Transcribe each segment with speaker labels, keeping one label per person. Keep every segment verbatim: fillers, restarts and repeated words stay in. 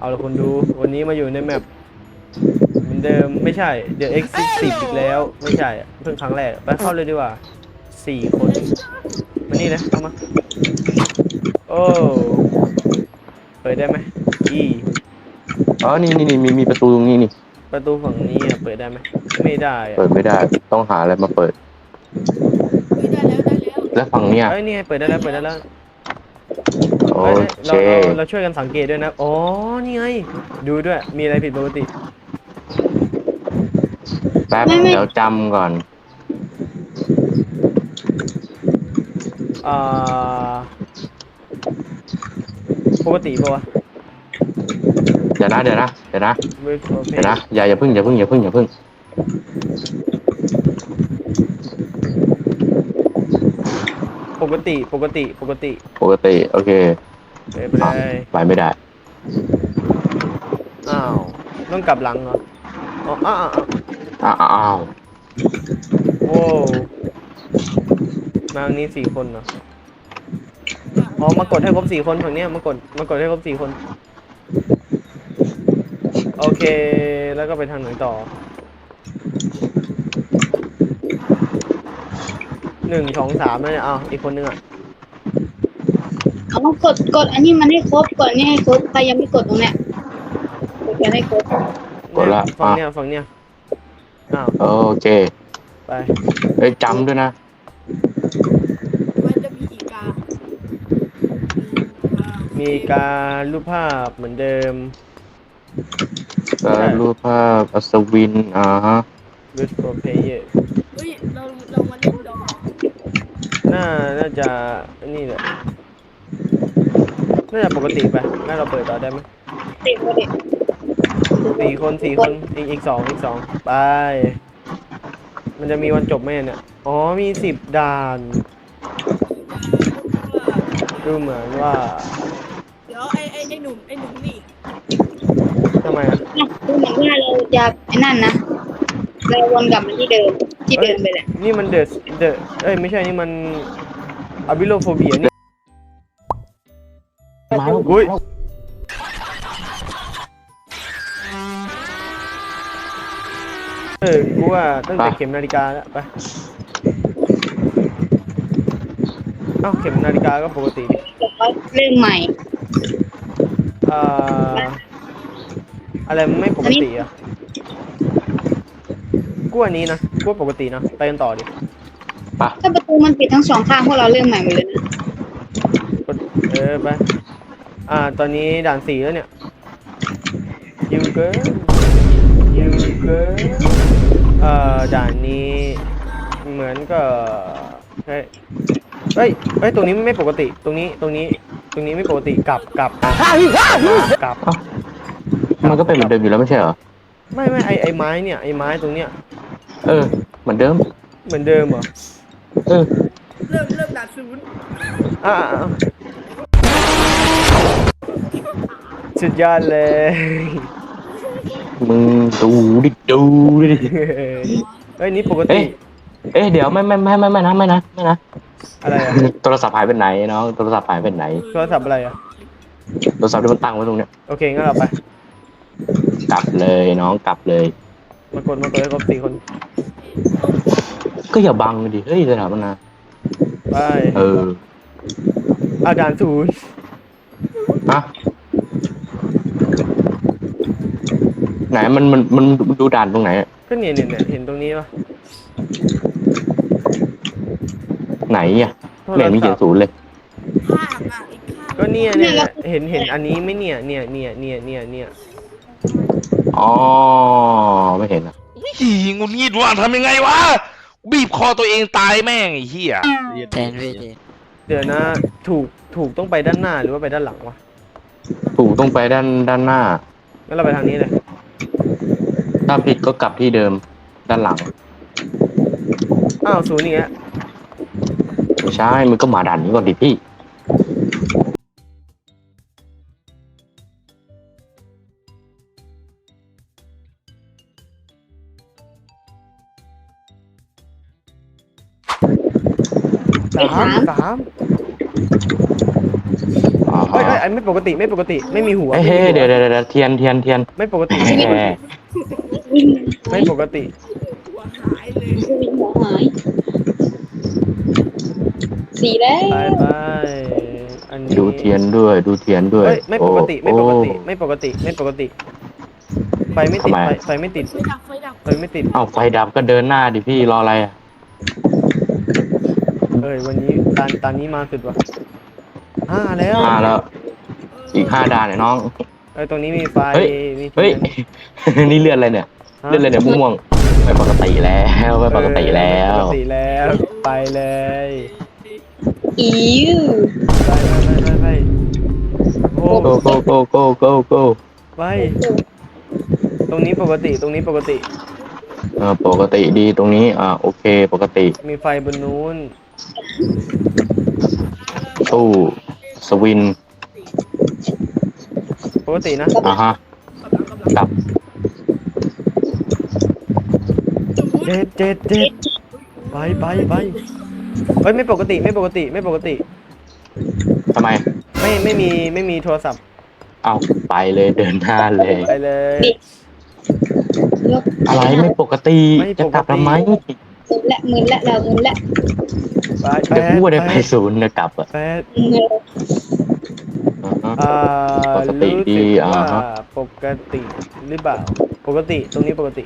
Speaker 1: เอาละคนดูวันนี้มาอยู่ในแมปเหมือนเดิมไม่ใช่ The Exit สิบอีกแล้วไม่ใช่เพิ่งครั้งแรกไปเข้าเลยดีกว่าสี่คนมานี่เลยเข้ามาโอ้เปิดได้ไหมอี
Speaker 2: อ๋อนี่นี่นี่มีมีประตูตรงนี้นี่
Speaker 1: ประตูฝั่งนี้อ่ะเปิดได้ไหมไม่ได้อ่ะ
Speaker 2: เปิดไม่ได้ต้องหาอะไรมาเปิด
Speaker 3: เฮ้ยได้แล้วได้แล้ว
Speaker 2: แล้วฝั่งเนี้ย
Speaker 1: เอ้ยนี่ไงเปิดได้แล้วเปิดได้แล้ว
Speaker 2: โอ
Speaker 1: เอ้ยเอ้ย
Speaker 2: เค
Speaker 1: เราเราเราช่วยกันสังเกตด้วยนะอ๋อนี่ไงดูด้วยมีอะไรผิดปกติ
Speaker 2: แป๊บเดี๋ยวจำก่อน
Speaker 1: อ่าปกติปะวะ
Speaker 2: เดี๋ยวนะเดี๋ยวนะเดี๋ยวนะ
Speaker 1: เวทโอเพ
Speaker 2: เดี๋ยวนะอย่าอย่าพึ่งอย่าพึ่งอย่าพึ่งอย่าพึ่ง
Speaker 1: ปกติปกติปกติ
Speaker 2: ปกติโอเค
Speaker 1: ไปไปเลย
Speaker 2: ไปไม่ได้
Speaker 1: อ้าวต้องกลับหลังเหรออ๋ออ้าวอ้าว
Speaker 2: อ้าวอ้าว
Speaker 1: โว้มาทางนี้สี่คนเหรออ๋อมากดให้ครบสี่คนฝั่งเนี้ยมากดมากดให้ครบสี่คนโอเคแล้วก็ไปทางไหนต่อหนึ่งสองสามแล้วเนี่ยอ้าวอีกคนนึงอ่ะ
Speaker 3: เอากดกดอันนี้มันให้ครบกดอันนี้ให้ครบใครยังไม่กดตรงเนี้ยกดกันให้ครบ
Speaker 2: กดละ
Speaker 1: ฝั่งเนี้ยฝั่งเนี้ยอ้าว
Speaker 2: โอเค
Speaker 1: ไป
Speaker 2: เอ้ยจำด้วยนะ
Speaker 3: มันจะมีอีกา
Speaker 1: มีการรูปภาพเหมือนเดิม
Speaker 2: การรูปภาพอัศวินอ่าฮะ
Speaker 1: Wait for player
Speaker 3: เฮ้ยเราเรามาเล่นดอ
Speaker 1: น่าน่าจะนี่แหละน่าจะปกติไปงั้นเราเปิดต่อได้ไหม
Speaker 3: ติดมาดิ
Speaker 1: สี่คนสี่คนอีกอีกสองอีกสองไปมันจะมีวันจบไหมเนี่ยอ๋อมีสิบด่านดูเหมือนว่า
Speaker 3: เดี๋ยวไอ้ไอ้ไอ้หนุ่มไอ้หนุ่มนี่
Speaker 1: ทำไมอ่ะ
Speaker 3: ดูเหมือนว่าเราจะไอ้นั่นนะเราวนกลับมาที่เดิมที่เดิมไปแหละ
Speaker 1: นี่มันเดอะเดอะเอ้ยไม่ใช่นี่มันอะบิโลโฟเบียนี่
Speaker 2: มาแล้ว
Speaker 1: อุ้ยเออกูว่าตั้งแต่เข็มนาฬิกาแล้วไปเอ้าเข็มนาฬิกาก็ปกติดิ
Speaker 3: เริ่มใหม่
Speaker 1: อ่าอะไรมันไม่ปกติอ่ะกูอันนี้นะกูปกตินะไปกันต่อดิ
Speaker 3: ถ้าประตูมันปิดทั้งสองข้างพวกเราเริ่มใหม่หมดเลยนะ
Speaker 1: เออไปอ่าตอนนี้ด่านสี่แล้วเนี่ยยูเกอร์ยูเกอร์เอ่อด่านนี้เหมือนกับเฮ้ยเฮ้ยเฮ้ยตรงนี้ไม่ปกติตรงนี้ตรงนี้ตรงนี้ไม่ปกติกลับกลับกลับ
Speaker 2: มันก็เป็นเหมือนเดิมอยู่แล้วไม่ใช่เหรอ
Speaker 1: ไม่ไม่ไอไอไม้เนี่ยไอไม้ตรงเนี้ย
Speaker 2: เออเหมือนเดิม
Speaker 1: เหมือนเดิมเหรอ
Speaker 2: เออ
Speaker 3: เริ่มเริ่มด่านศูนย์
Speaker 1: อ่าสุดยอดเลย
Speaker 2: มึงดูดิดูดิ
Speaker 1: เฮ้ยนี่ปกติ
Speaker 2: เอ๊ะเดี๋ยวไม่ไม่ไม่ไม่ไม่นะไม่นะไม่นะ
Speaker 1: อะไรอะ
Speaker 2: โทรศัพท์หายไปไหนน้องโทรศัพท์หายไปไหน
Speaker 1: โทรศัพท์อะไรอะ
Speaker 2: โทรศัพท์ที่มันตั้งไว้ตรงเนี้ย
Speaker 1: โอเคงั้นเราไป
Speaker 2: กลับเลยน้องกลับเลย
Speaker 1: มากดมากดให้ครบสี่คน
Speaker 2: ก็อย่าบังดิเฮ้ยสถาปนา
Speaker 1: ไป
Speaker 2: เออ
Speaker 1: อาจารย์ศูนย์
Speaker 2: ฮะไหนมันมันมันดูด่านตรงไหน
Speaker 1: ก็เนี่ยเนี่ยเนี่ยเห็นตรงนี้ปะ
Speaker 2: ไหนอ่ะแม่มีเขียนศูนย์เลย
Speaker 1: ก็เนี่ยเนี่ยเห็นเห็นอันนี้ไม่เนี่ยเนี่ยเนี่ยเนี่ยเนี่ยเนี่ย
Speaker 2: อ๋อไม่เห็นอ่ะ
Speaker 4: หีงุนงิดว่าทำยังไงวะบีบคอตัวเองตายแม่งไอ้เหี้ย
Speaker 5: แทนพี่
Speaker 1: เดี๋ยวนะถูกถูกต้องไปด้านหน้าหรือว่าไปด้านหลังวะ
Speaker 2: ถูกต้องไปด้านด้านหน้า
Speaker 1: งั้นเราไปทางนี้เลย
Speaker 2: ถ้าผิดก็กลับที่เดิมด้านหลัง
Speaker 1: อ้าวศูนย์นี่ฮะ
Speaker 2: ไม่ใช่มึงก็มาด่านนี้ก่อนดิพี่
Speaker 1: สามสาม
Speaker 2: อ่า
Speaker 1: เอ้ยเอ้ย
Speaker 2: ฮะ
Speaker 1: อันไม่ปกติไม่ปกติไม่มีหัว
Speaker 2: เฮ้ย
Speaker 1: ไม่
Speaker 2: เฮ้
Speaker 1: มี
Speaker 2: ย
Speaker 1: หัว
Speaker 2: เดี๋ยวเดี๋ยวเดี๋ยวเทียนเทียนเทียน
Speaker 1: ไม่ปกติไม่ปกติ
Speaker 3: วิ่ง
Speaker 1: ไม่ปกติ
Speaker 3: วิ่งหัวหายสีแล้ว
Speaker 1: ไปไปอันนี้
Speaker 2: ดูเทียนด้วยดูเทียนด้วย
Speaker 1: เอ้ยไม่ปกติไม่
Speaker 2: โอ้
Speaker 1: ปกติไม่ปกติไม่ปกติไฟไม่ติด
Speaker 2: ทำไม
Speaker 1: ไฟไฟไม่ติด
Speaker 5: ไฟดับไฟดับ
Speaker 1: ไฟไม่ติด
Speaker 2: เอ้าไฟดับก็เดินหน้าดิพี่รออะไรอ่ะ
Speaker 1: เอ้ยวันนี้ตานตานนี้มาสุดว่ะห้าแล้ว
Speaker 2: ห้าแล้ว อีกห้าด่านเนี่ยน้อง
Speaker 1: เอ้ยตรงนี้มีไฟ
Speaker 2: เฮ้ย
Speaker 1: มีที
Speaker 2: เฮ้ย
Speaker 1: น
Speaker 2: นี่เลื่อนอะไรเนี่ย
Speaker 1: ฮะ
Speaker 2: เลื่อนอะไรเนี่ยม่วงๆไม่ปกติแล้วไม่ปกติแล้ว
Speaker 1: เออไม่ปกติแล้วไปเลย
Speaker 3: อิว
Speaker 1: ไปไปไปไปไปโอ้
Speaker 2: โกโกโกโกโกโก
Speaker 1: ไปตรงนี้ปกติตรงนี้ปกติ
Speaker 2: เออปกติดีตรงนี้อ่าโอเคปกติ
Speaker 1: มีไฟบนนู้น
Speaker 2: ตู้สวิน
Speaker 1: ปกตินะ
Speaker 2: อ่าฮะกลับ
Speaker 1: เจ็ดเจ็ดเจ็ดไปไปไปเฮ้ยไม่ปกติไม่ปกติไม่ปกติ
Speaker 2: ทำไม
Speaker 1: ไม่ไม่มีไม่มีโทรศัพท์
Speaker 2: เอาไปเลยเดินหน้าเลย
Speaker 1: ไปเลย
Speaker 3: ยก
Speaker 2: อะไรไม่ปกติ
Speaker 1: ไม่ปกติ
Speaker 2: จะกลับทำไม
Speaker 3: มึนละมึนละเรามึนละ
Speaker 1: ไป
Speaker 2: เดี๋ยวพูดได้ไปศูนย์นะกลับอ่ะ
Speaker 1: แปด
Speaker 3: มึนละ
Speaker 2: อ่าฮะ
Speaker 1: อ่า
Speaker 2: ปกติ
Speaker 1: รู้
Speaker 2: ดี
Speaker 1: สึก
Speaker 2: อ่า
Speaker 1: ว่า
Speaker 2: ฮะ
Speaker 1: ปกติหรือเปล่าปกติตรงนี้ปกติ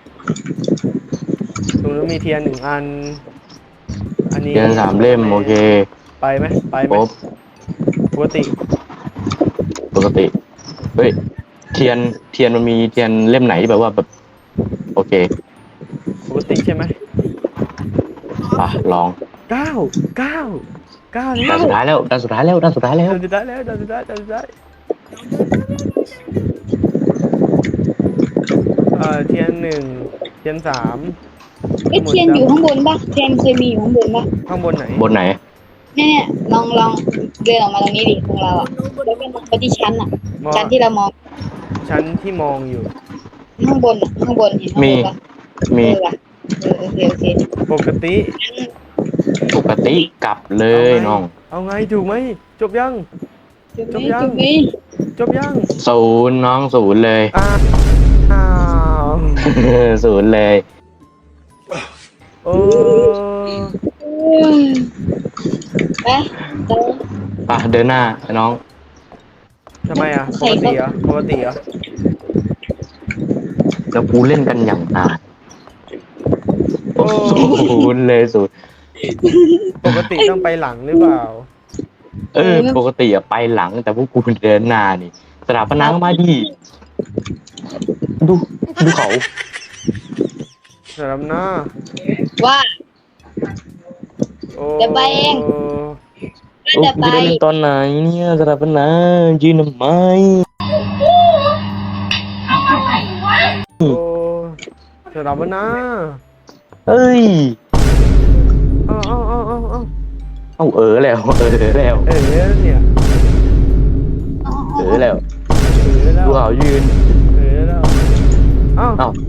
Speaker 1: ตรงนู้นมีเทียนหนึ่งอัน อันนี้
Speaker 2: เทียนสามเล่มโอเค
Speaker 1: ไปไหมไปไห
Speaker 2: ค
Speaker 1: ม
Speaker 2: รบ
Speaker 1: ปกติ
Speaker 2: ปกติเฮ้ยเทียนเทียนมันมีเทียนเล่มไหนที่แบบว่าแบบโอเค
Speaker 1: ปกติใช่ไหม
Speaker 2: อ่ะลอง
Speaker 1: เก้าเก้าเก้าแล้
Speaker 2: ด้าน
Speaker 1: ว
Speaker 2: สุดท้ายแล้วด้านสุดท้ายแล้วด้านสุดท้ายแล้ว
Speaker 1: เดินสุดท้ายแล้วเดินสุดท้ายเดินสุดท้ายเอ่อเทียนหนึ่งเทียนสาม
Speaker 3: เอ้ยเทียนอยู่ข้างบนปะเทียนเคยมีอยู่ข้างบนปะ
Speaker 1: ข้างบนไหน
Speaker 2: บนไหน
Speaker 3: เนี่ยเนี่ยลองลองเดินออกมาตรงนี้ดิของเราอ่ะแล้วก็มองไปที่ชั้นอ่ะ
Speaker 1: มอง
Speaker 3: ชั้นที่เรามอง
Speaker 1: ชั้นที่มองอยู่
Speaker 3: ข้างบนอะข้างบนเห็นข้างบนปะ
Speaker 2: มี
Speaker 3: เออว่ะเออโอเคโอเค
Speaker 1: ปกติ
Speaker 2: ปกติกลับเลยน้อง
Speaker 1: เอาไงถูกไหมจบยัง
Speaker 3: จุด
Speaker 1: จบ
Speaker 3: นี้
Speaker 1: ยัง
Speaker 3: จุดนี้
Speaker 1: จบยัง
Speaker 2: ศูนย์น้องศูนย์เลย
Speaker 1: อ้าวอ้าว
Speaker 2: ศูนย์เลย
Speaker 1: โอ้
Speaker 3: เออไปเดิน
Speaker 2: อ่ะเดินหน้าน้อง
Speaker 1: ทำไมอ่ะปกติเหรอปกติเหรอ
Speaker 2: แล้วกูเล่นกันอย่างนานโอ้ศูนย์เลยศูนย์
Speaker 1: ปกติต้องไปหลังหรือเปล่า
Speaker 2: เออ ปกติอะไปหลังแต่พวกกูเดินหน้านี่สถาปนามาดีดูดูเขา
Speaker 1: สำหรับหน้า
Speaker 3: ว่า
Speaker 1: โอ้
Speaker 3: จะไปเอง
Speaker 2: โอ้
Speaker 3: จะ
Speaker 2: กู
Speaker 3: ไป
Speaker 2: จะได้เล่นตอนไหนเนี่ยสถาปนายืนทำไม
Speaker 1: โอ้สำหรับหน้า
Speaker 2: เอ้ย
Speaker 1: เอ้าเอ้าเอ้าเอ้าเอ้า
Speaker 2: เอาเออแล้วเออแล้ว
Speaker 1: เอ๋เนี่ย
Speaker 2: เออแล้ว
Speaker 1: เอ๋แล้ว
Speaker 2: ดูเขายืน
Speaker 1: เอ๋แล้วเอ้า
Speaker 2: เอ้า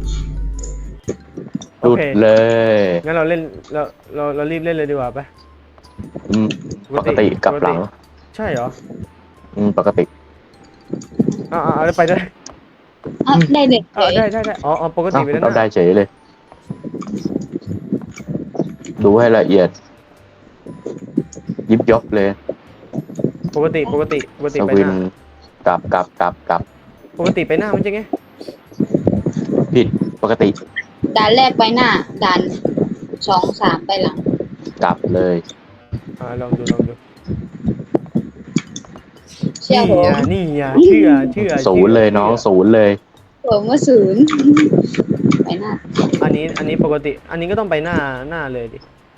Speaker 1: โอ
Speaker 2: หลุด
Speaker 1: เค
Speaker 2: เลย
Speaker 1: งั้นเราเล่นเราเราเรารีบเล่นเลยดีกว่าไป
Speaker 2: อืมปกติกลับหลัง
Speaker 1: ใช่เหรอ
Speaker 2: อืมปกติ
Speaker 1: อ่าอ่าไปได้
Speaker 3: อ่ะได้เลย
Speaker 1: อ่าได้ได้ได้อ๋ออ๋อปกติ
Speaker 2: เอ้า
Speaker 1: ไปแล้ว
Speaker 2: เรา
Speaker 1: นะ
Speaker 2: ได้เฉยเลย ดูให้ละเอียด ยิบยกเลย
Speaker 1: ปกติปกติปกติ
Speaker 2: ส
Speaker 1: ไป
Speaker 2: วิ
Speaker 1: ห
Speaker 2: น
Speaker 1: น้าก
Speaker 2: ลับกลับกลับกลับ
Speaker 1: ปกติไปหน้ามันจะไง
Speaker 2: ผิดปกติ
Speaker 3: ด่านแรกไปหน้าด่านสองสามไปหลัง
Speaker 2: กลับเลย
Speaker 1: อ่าลองดูลองดู
Speaker 3: เชื่อผม
Speaker 1: นี่อ่ะนี่อ่ะเชื่อเชื่อ
Speaker 2: ศูนย์เลยน้องศูนย์เลย
Speaker 3: ผมว่าศูนย์ไปหน้า
Speaker 1: อันนี้อันนี้ปกติ อันนี้ก็ต้องไปหน้าหน้าเลยดิ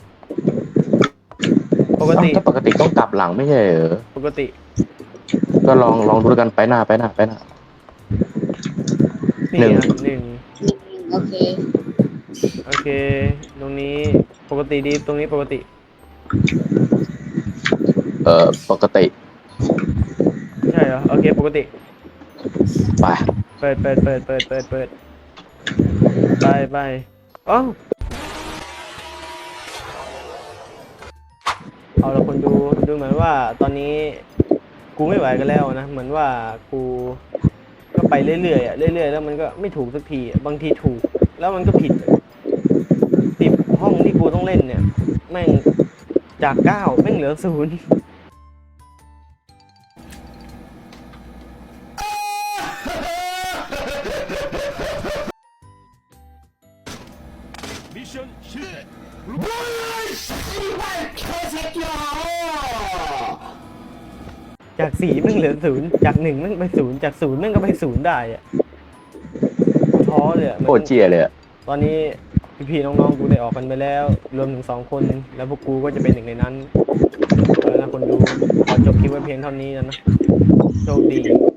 Speaker 1: ปกติ
Speaker 2: เอ้าถ้าปกติต้องกลับหลังไม่ใช่เหรอ
Speaker 1: ปกติ
Speaker 2: ก็ลองลองดูด้วยกันไปหน้าไปหน้าไปหน้า
Speaker 1: นี่
Speaker 2: หนึ่ง
Speaker 1: อ่ะหนึ่ง
Speaker 3: โอเค
Speaker 1: โอเค ตรงนี้ปกติดีตรงนี้ปกติ
Speaker 2: เอ่อปกติ
Speaker 1: ใช่เหรอโอเคปกติ
Speaker 2: ไป
Speaker 1: เปิดเปิดเปิดเปิดเปิดเปิดไปไปอ๋อเอาละคนดูดูเหมือนว่าตอนนี้กูไม่ไหวกันแล้วนะเหมือนว่ากูก็ไปเรื่อยๆอ่ะเรื่อยๆแล้วมันก็ไม่ถูกสักทีบางทีถูกแล้วมันก็ผิดสิบห้องที่กูต้องเล่นเนี่ยแม่งจากเก้าแม่งเหลือศูนย์ จากสี่แม่งเหลือศูนย์จากหนึ่งแม่งไปศูนย์จากศูนย์แม่งก็ไปศูนย์ได้อะกูท้อเลยอะ
Speaker 2: โคตรเจียเลยอะ
Speaker 1: ตอนนี้พี่ๆน้องๆกูได้ออกกันไปแล้ว รวมถึงสองคนแล้วพวกกูก็จะเป็นหนึ่งในนั้นแล้วนะคนดูขอจบคลิปไว้เพียงเท่านี้นะโชคดี